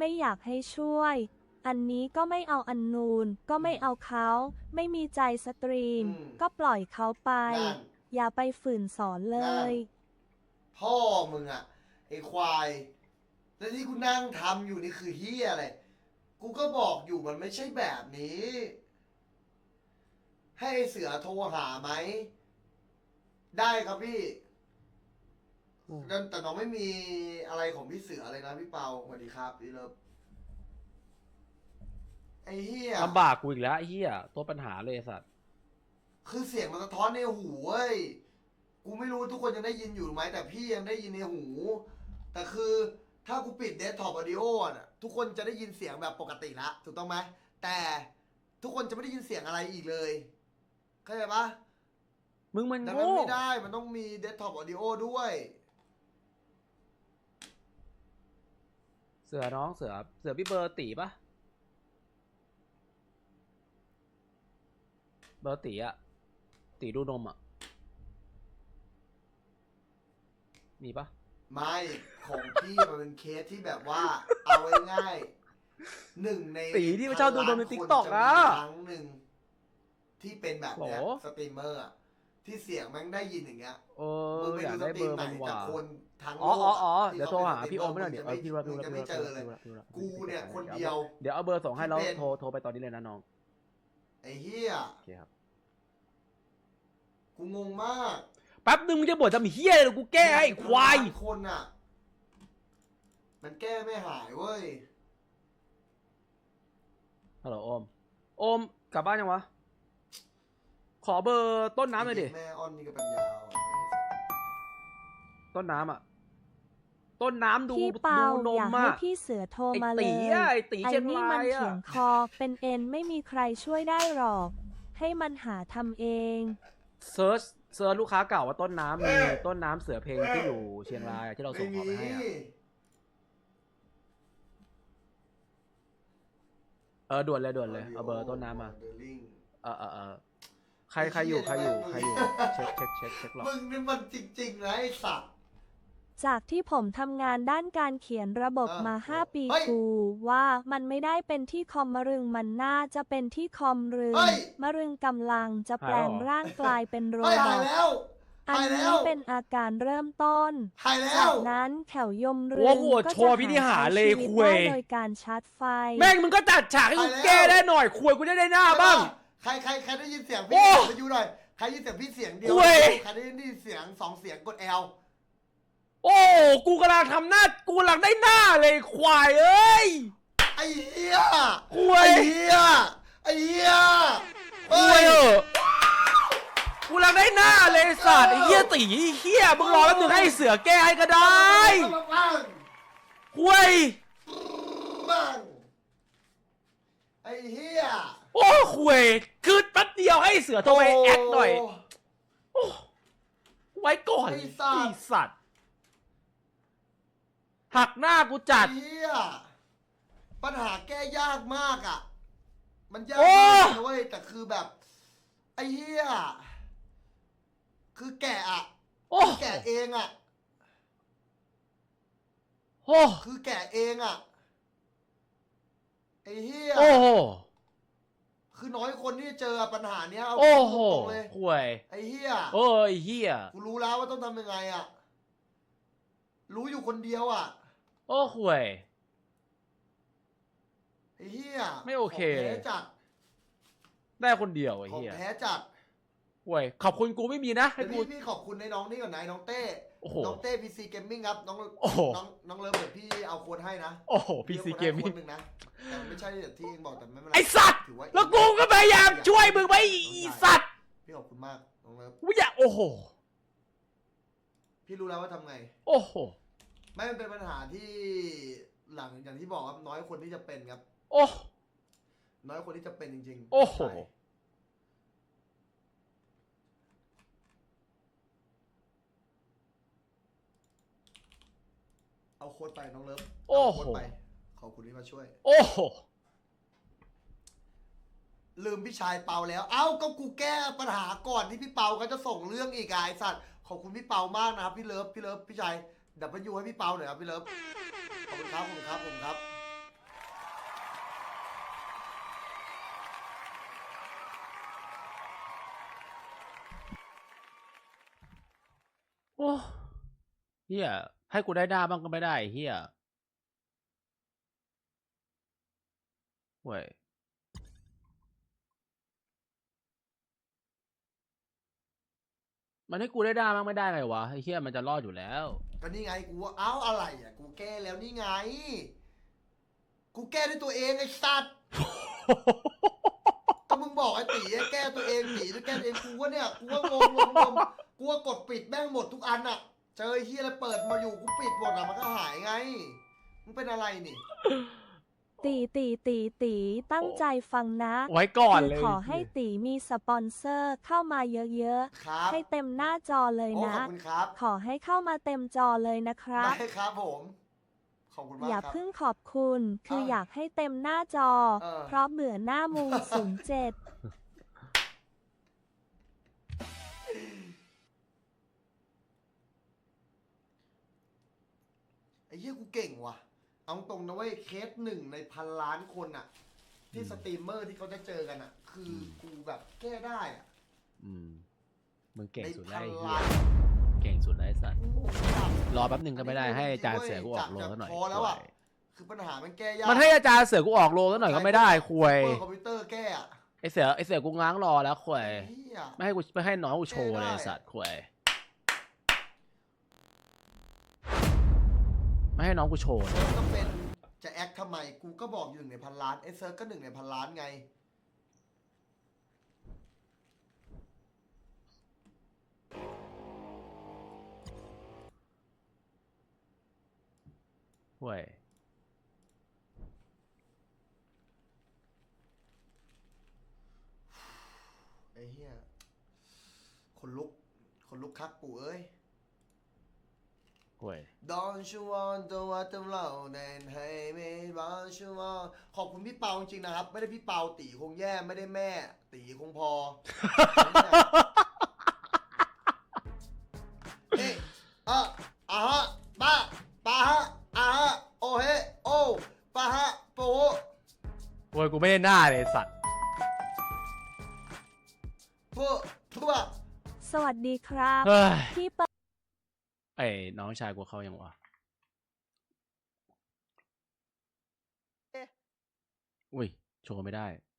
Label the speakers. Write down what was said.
Speaker 1: ไม่อยากให้ช่วยอันนี้ก็ไม่เอาอันนูนก็ไม่เอาเขาไม่มีใจสตรีมก็ปล่อยเขาไปอย่าไปฝืนสอนเลย
Speaker 2: พ่อมึงอะไอควายแล้วที่กูนั่งทำอยู่นี่คือเฮียอะไรกูก็บอกอยู่มันไม่ใช่แบบนี้ ให้เสือโทรหาไหมได้ครับพี่แต่น้องไม่มีอะไรของพี่เสือเลยนะพี่เปาสวัสดีครับพี่เลิฟไอ้เฮีย
Speaker 3: ลำบากกูอีกแล้วไอ้เหี้ยตัวปัญหาเลยสัตว์
Speaker 2: คือเสียงมันสะท้อนในหูเว้ยกูไม่รู้ทุกคนยังได้ยินอยู่ไหมแต่พี่ยังได้ยินในหูแต่คือถ้ากูปิดเดสก์ท็อปออดิโอน่ะทุกคนจะได้ยินเสียงแบบปกติละถูกต้องไหมแต่ทุกคนจะไม่ได้ยินเสียงอะไรอีกเลยเข้าใจปะ
Speaker 3: มึงมัน
Speaker 2: ดัง
Speaker 3: โง่
Speaker 2: นั้นไม่ได้มันต้องมีเดสก์ท็อปออดิโอด้วย
Speaker 3: เสือน้องเสือพี่เบอร์ตีปะเบอร์ตีอะตีดูนมอะมีปะ
Speaker 2: ไม่ของพี่มันเป็นเคสที่แบบว่าเอาไว้ง่ายหนึ่งใน
Speaker 3: ตีที่มันชอบดูนมในติ๊กต็อกอะ
Speaker 2: ครั้งหนึ่งที่เป็นแบบเนี้ยสตรีมเมอร์อะที่เสียงแม่งได้ยินอย่างเงี้ยมึงไป
Speaker 3: อยา
Speaker 2: ดู
Speaker 3: ก
Speaker 2: ส
Speaker 3: ได้
Speaker 2: ต
Speaker 3: เบ
Speaker 2: รี
Speaker 3: อ
Speaker 2: ม
Speaker 3: ร์
Speaker 2: ไหน
Speaker 3: มัน
Speaker 2: แต่
Speaker 3: ว่า
Speaker 2: คนทั้งโล
Speaker 3: อ๋อก
Speaker 2: ที่
Speaker 3: เดี๋ยวโทรหาพี่โอมไม่หน่อยเดี๋ยวพี่ว่า
Speaker 2: จะไม่เจอเลยกูเนี่ยคนเดียว
Speaker 3: เดี๋ยวเอาเบอร์ส่งให้แล้วโทรไปตอนนี้เลยนะน้อง
Speaker 2: ไอ้เหี้ย
Speaker 3: โอเคครับ
Speaker 2: กูงงมาก
Speaker 3: แป๊บนึงมึงจะบ่นทำเหี้ยอะไรกูแก้ให้ควาย
Speaker 2: คนอ่ะมันแก้ไม่หายเว้ย
Speaker 3: ฮัลโหลโอมกลับบ้านยังวะขอเบอร์ต้นน้ำหน่อยดิ
Speaker 2: แม่อ้อนนี่ก็ปัญญา
Speaker 3: ต้นน้ำอ่ะต้นน้ำดู
Speaker 1: พี่เปานอยากให้
Speaker 3: ม
Speaker 1: พี่เสือโทรมาเลย
Speaker 3: ไอ้ตีเชียง
Speaker 1: นี่
Speaker 3: รา
Speaker 1: มัน
Speaker 3: ย
Speaker 1: เขียงคอเป็นเอ็นไม่มีใครช่วยได้หรอก ให้มันหาทำเอง
Speaker 3: เซิร์ชลูกค้าเก่าว่าต้นน้ำมีต้นน้ำเสือเพลงที่อยู่เชียงรายที่เราส่งของไปให้ด่วนเลยเอาเบอร์ต้นน้ำมาใครอยู่เช็คหรอก
Speaker 2: มึงนี่มันจริงๆนะไอ้สัตว์
Speaker 1: จากที่ผมทำงานด้านการเขียนระบบมา5 ปีกูว่ามันไม่ได้เป็นที่คอมมะรึงมันน่าจะเป็นที่คอมรึงมะรึงกำลังจะแปลงร่างกลายเป็นโรบอทอันนี้เป็นอาการเริ่มต้นจากนั้นแถวยมรึงก็จะหาชีวิตได้โดยการชาร์จไฟ
Speaker 3: แม่งมึงก็จัดฉากให้กูแก้ได้หน่อยคุยกูได้หน้าบ้าง
Speaker 2: ใครได้ยินเสียงพี่ไปอยู่หน่อยใครยินเสียงพี่เสียงเดียวใครได้ยินเสียง2 เสียงกด L
Speaker 3: โอ้กูกำลังทำหน้ากูกำลังได้หน้าเลยควายเอ้ย
Speaker 2: ไอ้เหี้ย
Speaker 3: ควาย
Speaker 2: ไอ้เหี้ย
Speaker 3: ควายกูกำลังได้หน้าเลยสัตว์ไอ้เหี้ยตีเหี้ยมึงรอแป๊บนึงให้เสือแก้ให้ก็ได้ควาย
Speaker 2: ไอ้เหี้ย
Speaker 3: โอ้ควายคือแป๊บเดียวให้เสือโทรไปแอคหน่อยโอ้ไว้ก่อนไอ้สัตว์หักหน้ากูจัด
Speaker 2: เฮียปัญหาแก้ยากมากอ่ะมันยากมากนะเว้ยแต่คือแบบไอ้เฮียคือแกะอ่ะแกะเองอ่ะคือแกะเองอ่ะไอ้เฮียคือน้อยคนที่เจอปัญหาเนี้ยเอาตรงเลย
Speaker 3: ห่วย
Speaker 2: ไอ้เฮีย
Speaker 3: ไอ้เฮีย
Speaker 2: กูรู้แล้วว่าต้องทำยังไงอ่ะรู้อยู่คนเดียวอ่ะ
Speaker 3: ห่วย
Speaker 2: ไอ้เฮีย
Speaker 3: ไม่โอเค
Speaker 2: แพ้จัด
Speaker 3: ได้คนเดียวไอ้เฮีย
Speaker 2: แพ้จัด
Speaker 3: ห่วยขอบคุณกูไม่มีนะให้
Speaker 2: พี่ขอบคุณในน้องนี่ก่อนนายน้องเต้น้องเต้ PC Gaming ครับน้องเลิฟเดี๋ยวพี่เอาโค้ดให้นะ
Speaker 3: PC Gaming
Speaker 2: นึงนะแต่ไม่ใช่ที่เองบอกแต่ไม่เป็นไร
Speaker 3: ไอสัตว์แล้วกูก็พยายามช่วยมึงไว้ไอสัตว์
Speaker 2: พี่ขอบคุณมากน้องเลิฟ
Speaker 3: อย่า
Speaker 2: พี่รู้แล้วว่าทำไงไม่เป็นปัญหาที่หลังอย่างที่บอกครับน้อยคนที่จะเป็นครับน้อยคนที่จะเป็นจริงๆเอาโค้ดไปน้องเลิฟเอาโค้ดไปขอบคุณที่มาช่วยลืมพี่ชายเปาแล้วเอ้าก็กูแก้ปัญหาก่อนที่พี่เปาเขาจะส่งเรื่องอีกไอ้สัตว์ขอบคุณพี่เปามากนะครับพี่เลิฟพี่ชายดับเบิลยูให้พี่เปาหน่อยครับพี่เลิฟขอบคุณครับ
Speaker 3: โอ้เฮียให้กูได้หน้าบ้างก็ไม่ได้เฮียเว้ยมันให้กูได้หน้าบ้างไม่ได้ไงวะไอ้เฮียมันจะรอดอยู่แล้ว
Speaker 2: ก็นี่ไงกูว่าเอ้าอะไรอ่ะกูแก้แล้วนี่ไง กูแก้ด้วยตัวเองไอ้สัตว์ ก็มึงบอกไอ้ตีแก้ตัวเองตีด้วยแก้ตัวเองกูว่าเนี่ยกูว่างงกูว่ากดปิดแม่งหมดทุกอันอ่ะ เจอไอ้เฮียอะไรเปิดมาอยู่กูปิดหมดอ่ะมันก็หายไงมึงเป็นอะไรนี่
Speaker 1: ตีตั้งใจฟังนะ
Speaker 3: ไว้ก่อน
Speaker 1: คือ
Speaker 3: เลย
Speaker 1: ขอให้ตีมีสปอนเซอร์เข้ามาเยอะ
Speaker 2: ครับ
Speaker 1: ๆ ให้เต็มหน้าจอเลย
Speaker 2: โอ้
Speaker 1: นะ
Speaker 2: ขอบคุณครับ
Speaker 1: ขอให้เข้ามาเต็มจอเลยนะครับ
Speaker 2: ได้ครับผม ขอบคุณมาก
Speaker 1: อย่า
Speaker 2: ครับ
Speaker 1: เพิ่งขอบคุณคืออยากให้เต็มหน้าจอ เพราะเบื่อหน้ามู07
Speaker 2: ไอ้เหี้ยกูเก่งว่ะ เอาตรงนะเว้ยเคสหนึ่งในพันล้านคนอ่ะ ที่สตรีมเมอร์ที่เขาจะเจอกันอ่ะ คือกูแบบแก้ได้อ่ะ
Speaker 3: อืมมึงเก่ง
Speaker 2: ใน
Speaker 3: สุด
Speaker 2: พั
Speaker 3: แล้ว
Speaker 2: น
Speaker 3: ไอ้เฮี
Speaker 2: ล้าย น
Speaker 3: เก่งสุดแล้วไอ้สัตว์
Speaker 2: โอ้โหจับ
Speaker 3: รอแป๊บหนึ่งก็ไม่ได้ให้อาจารย์เสือกูออกโรงซะหน่อย
Speaker 2: พอแล้วอ่ะ คือปัญหามันแก้ยาก
Speaker 3: มันให้อาจารย์เสือกูออกโรงซะหน่อยก็ไม่ได้คุย
Speaker 2: เปิดคอมพิวเตอร์แก้อ่ะ
Speaker 3: ไอเสือกูง้างรอแล้วคุย
Speaker 2: เหี้ย
Speaker 3: ไม่ให้น้องกูโชว์เลยไอ้สัตว์คุยไม่ให้น้องกูโชว์เลย
Speaker 2: ก็เป็นจะแอคทำไมกูก็บอกอยู่หนึ่งในพันล้านไอ้เซิร์ฟก็หนึ่งในพันล้านไง
Speaker 3: เว้ย
Speaker 2: ไอ้เหี้ยคนลุกคักปู่เอ้ย
Speaker 3: เว้ย
Speaker 2: Don't you want the water flow then hey me don't you want ขอบคุณพี่เปาจริงๆนะครับ ไม่ได้พี่เปาตีคงแย่ไม่ได้แม่ ตีคงพอ เฮ้ฮะป้าฮะฮะโอเฮโอป้าฮะโป
Speaker 3: โว้ยกูไม่ได้หน้าเลยไอ้สัตว์
Speaker 2: พวกทุกอะ
Speaker 1: สวัสดีครับ
Speaker 3: เฮ้ย
Speaker 1: พี่เปิด
Speaker 3: ไอ้น้องชายกูเข้ายังวะอุ้ยโชว์ไม่ได้